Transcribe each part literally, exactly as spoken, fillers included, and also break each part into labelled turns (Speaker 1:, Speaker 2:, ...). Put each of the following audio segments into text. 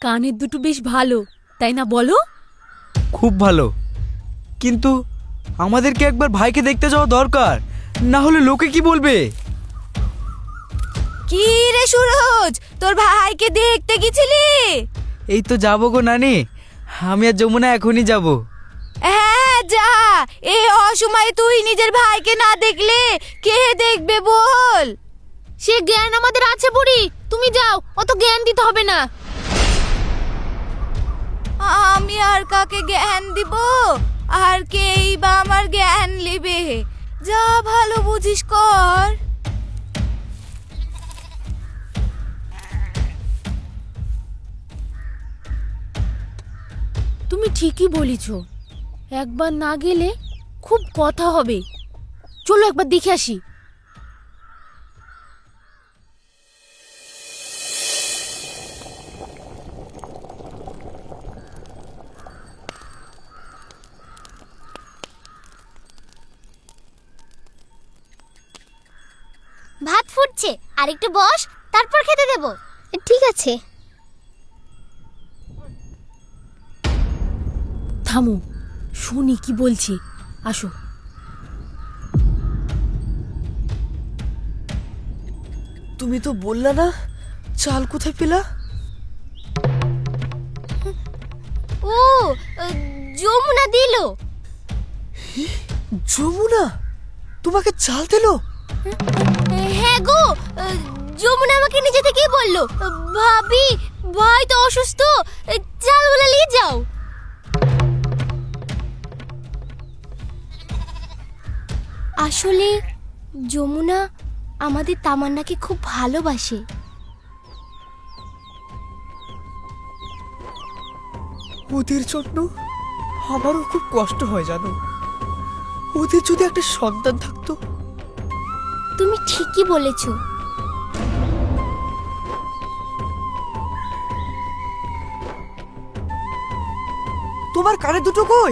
Speaker 1: কানের দুটো বেশ ভালো, তাই না বলো?
Speaker 2: খুব ভালো, কিন্তু আমাদেরকে একবার ভাইকে দেখতে যাওয়া দরকার, না হলে লোকে কি বলবে?
Speaker 1: কি রে সুরজ, তোর ভাইকে দেখতে গেছিলি?
Speaker 2: এই তো যাবো গো নানি, আমি আর যমুনা এখনই যাব।
Speaker 1: হ্যাঁ যা, এই অসময়ে তুই নিজের ভাইকে না দেখলে কে দেখবে বল? সে জ্ঞান আমাদের আছে বুড়ি, তুমি যাও, অত জ্ঞান দিতে হবে না। আমি আর কাকে জ্ঞান দিব, আর কেই বা আমার জ্ঞান লিবে? যা ভালো বুঝিস কর। তুমি ঠিকই বলেছ, একবার না গেলে খুব কথা হবে। চলো একবার দেখে আসি।
Speaker 3: ভাত ফুটছে, আর একটু বস, তারপর খেতে দেব। ঠিক আছে।
Speaker 1: থামো, শুনি কি বলছি, আসো।
Speaker 2: তুমি তো বললা না চাল কোথায় পেলা?
Speaker 3: ও, যমুনা দিল।
Speaker 2: যমুনা তোমাকে চাল দিল?
Speaker 3: হ্যাঁ গো, যমুনা আমাকে নিজে থেকেই বললো, ভাবি ভাই তো অসুস্থ, চালগুলো নিয়ে যাও। আসলে যমুনা আমাদের তামান্নাকে খুব ভালোবাসে।
Speaker 2: ওদের জন্য আমারও খুব কষ্ট হয় জানো, ওদের যদি একটা সন্তান থাকতো।
Speaker 3: তুমি ঠিকই বলেছো।
Speaker 2: তোমার কানে দুটো কই?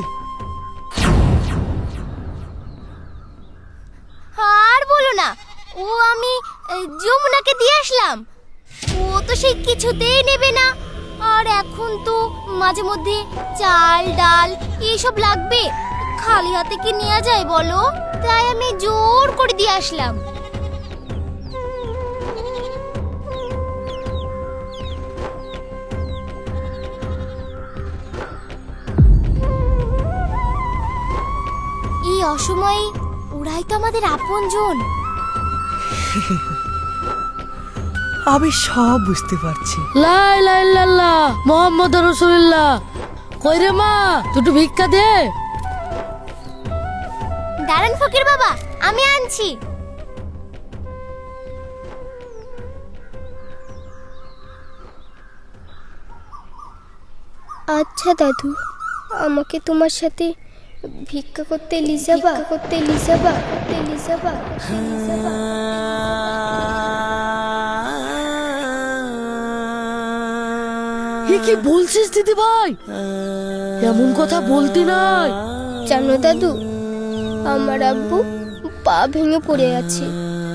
Speaker 3: আর বলো না, ও আমি যমুনাকে দিয়ে আসলাম, ও তো সেই কিছুতেই নেবে না। আর এখন তো মাঝে মধ্যে চাল ডাল এইসব লাগবে, খালি হাতে কি নেওয়া যায় বলো? তাই আমি জোর করে দিয়ে আসলাম। এই অসময়ে ওরাই তো আমাদের আপনজন।
Speaker 2: আমি সব বুঝতে পারছি।
Speaker 4: লা ইলাহা ইল্লাল্লাহ মুহাম্মাদুর রাসূলুল্লাহ। কই রে মা, দুটো ভিক্ষা দে।
Speaker 3: দাঁড়ান ফকির বাবা, আমি আনছি। আচ্ছা দাদু, আমাকে তোমার সাথে ভিক্ষা করতে লিজাবা, করতে লিজাবা, করতে লিজাবা, করতে লিজাবা।
Speaker 4: এ কি বলছিস দিদি ভাই? এমন কথা বলতি নাই।
Speaker 3: জানো দাদু, আমার আব্বু পা ভেঙে পড়ে আছে,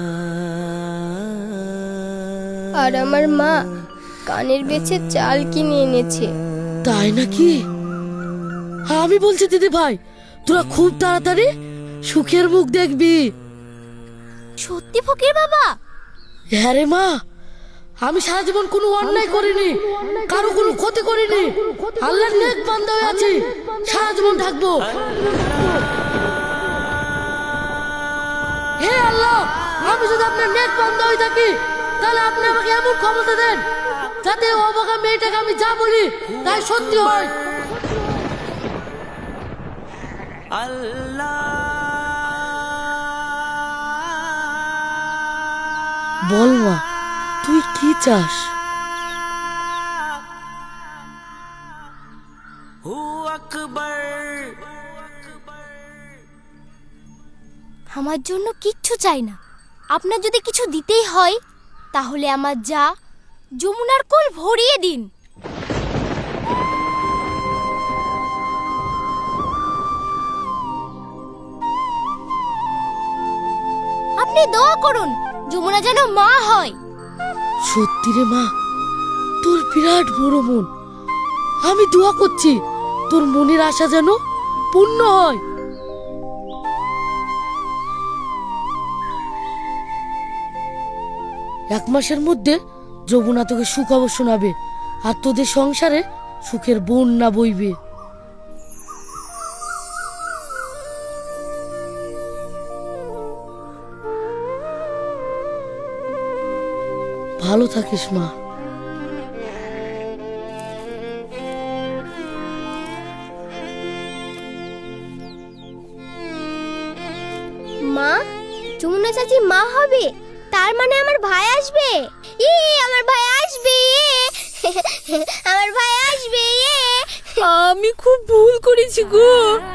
Speaker 3: আর আমার মা কানের বেচে চাল কিনে এনেছে।
Speaker 4: তাই নাকি? আমি বলছি দিদি ভাই, তোরা খুব তাড়াতাড়ি সুখের মুখ দেখবি।
Speaker 3: সত্যি ফকির বাবা?
Speaker 4: হ্যাঁ রে মা, আমি সারা জীবন কোনো অন্যায় করিনি, কারো কোনো ক্ষতি করিনি, আল্লাহর নেক বান্দা হয়ে আছি, সারা জীবন থাকবো। হে আল্লাহ, আমি যদি আপনার নেক বান্দা হয়ে থাকি, তাহলে আপনি আমাকে এমন ক্ষমতা দেন যাতে অবাকা মেয়েটাকে আমি যা বলি তাই সত্যি হয়। বল মা, তুই কি চাস?
Speaker 3: আমার জন্য কিচ্ছু চাই না, আপনার যদি কিছু দিতেই হয় তাহলে আমার যা যমুনার কোল ভরিয়ে দিন। আপনি দোয়া করুন যমুনা যেন মা হয়।
Speaker 4: সত্যি রে মা, তোর বিরাট বড় মন, আমি দোয়া করছি তোর মনের আশা যেন পূর্ণ হয়। এক মাসের মধ্যে যমুনা তোকে সুখবর শোনাবে আর তোদের সংসারে সুখের বন্যা বইবে। ভালো থাকিস মা।
Speaker 3: মা, যমুনা চাচি মা হবে, তার মানে আমার ভাই আসবে। ই আমার ভাই আসবে, আমার ভাই আসবে।
Speaker 1: আমি খুব ভুল করেছি গো।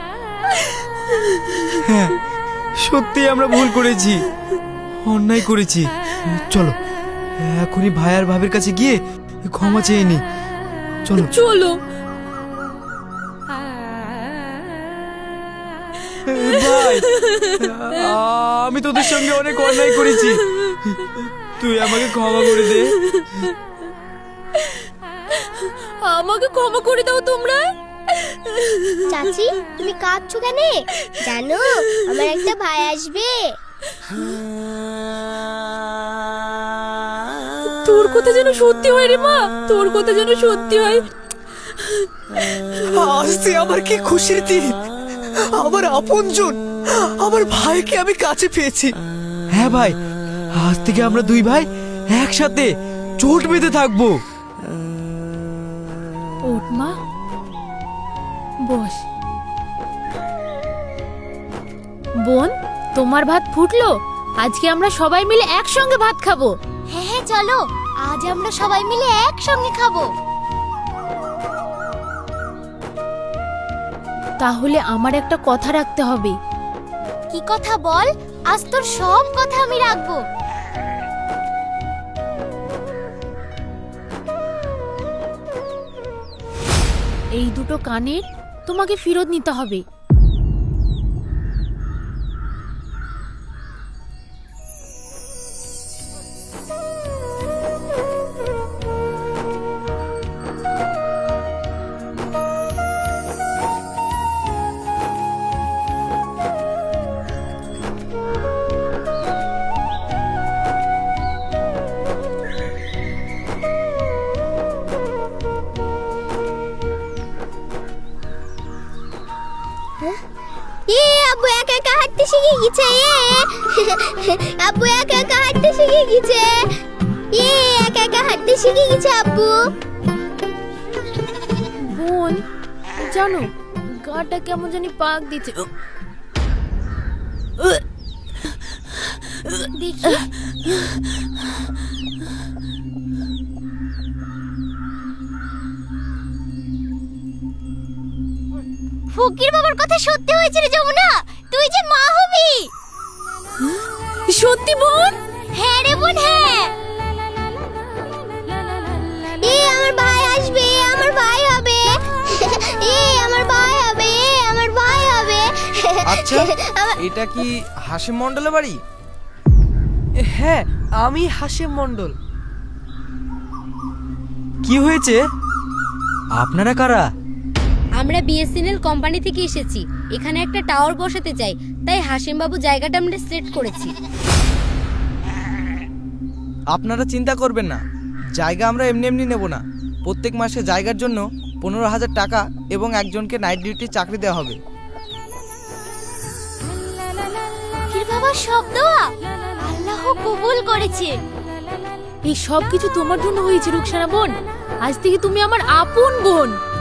Speaker 2: হ্যাঁ, সত্যি আমরা ভুল করেছি, অন্যায় করেছি। চলো এখনই ভাই আর ভাবির কাছে গিয়ে ক্ষমা চেয়ে নি। চলো
Speaker 1: চলো।
Speaker 2: ভাই, আমি তোদের সঙ্গে অনেক অন্যায় করেছি, তুই আমাকে ক্ষমা করে দে।
Speaker 1: আমাকে ক্ষমা করে দাও তোমরা।
Speaker 3: চাচি, তুমি কাঁদছো কেন? জানো আমার একটা ভাই আসবে।
Speaker 1: তোর কথা যেন সত্যি হয় রে মা, তোর কথা যেন সত্যি হয়।
Speaker 2: আজকে আমার কি খুশির দিন, আমার আপনজন আমার ভাইকে আমি কাছে পেয়েছি। হ্যাঁ ভাই, আজ থেকে আমরা দুই ভাই একসাথে জোট বেঁধে থাকবো।
Speaker 1: ওঠ মা, বস। বোন, তোমার ভাত ফুটলো, আজকে আমরা সবাই মিলে একসঙ্গে ভাত খাবো।
Speaker 3: হ্যাঁ হ্যাঁ চলো, আজ আমরা সবাই মিলে একসঙ্গে খাবো।
Speaker 1: তাহলে আমার একটা কথা রাখতে হবে।
Speaker 3: কি কথা বল? আজ তোর সব কথা আমি রাখবো।
Speaker 1: এই দুটো কানের তোমাকে ফেরত নিতে হবে।
Speaker 3: এ আব্বু একা একা হাঁটতে শিখে গেছে। এ আব্বু একা একা হাঁটতে শিখে গেছে। এ একা একা হাঁটতে শিখে গেছে আব্বু।
Speaker 1: বোন, জানো গাটা কেমন জানি পাক দিচ্ছে।
Speaker 3: দেখি ফকির বাবার কথা সত্যি হয়েছে রে যমুনা, তুই যে মা হবি।
Speaker 1: সত্যি বোন?
Speaker 3: হ্যাঁ রে বোন, হ্যাঁ। এ আমার ভাই আসবে, আমার ভাই হবে। এ আমার ভাই হবে, এ আমার ভাই হবে।
Speaker 5: আচ্ছা, এটা কি হাসিম মণ্ডলের বাড়ি? হ্যাঁ, আমি হাসিম মণ্ডল।
Speaker 2: কি হয়েছে? আপনারা কারা?
Speaker 6: আমরা বিএসএনএল কোম্পানি থেকে এসেছি, এখানে একটা টাওয়ার বসাতে চাই, তাই হাসিম বাবু জায়গাটা আমরা সিলেক্ট করেছি।
Speaker 5: আপনারা চিন্তা করবেন না, জায়গা আমরা এমনি এমনি নেব না। প্রত্যেক মাসে জায়গার জন্য পনেরো হাজার টাকা এবং একজনকে নাইট ডিউটি চাকরি দেওয়া হবে।
Speaker 3: ফকির বাবার সব দোয়া আল্লাহ কবুল করেছে।
Speaker 1: এই সব কিছু তোমার জন্য হয়েছে রুকসানা বোন। আজ থেকে তুমি আমার আপন বোন।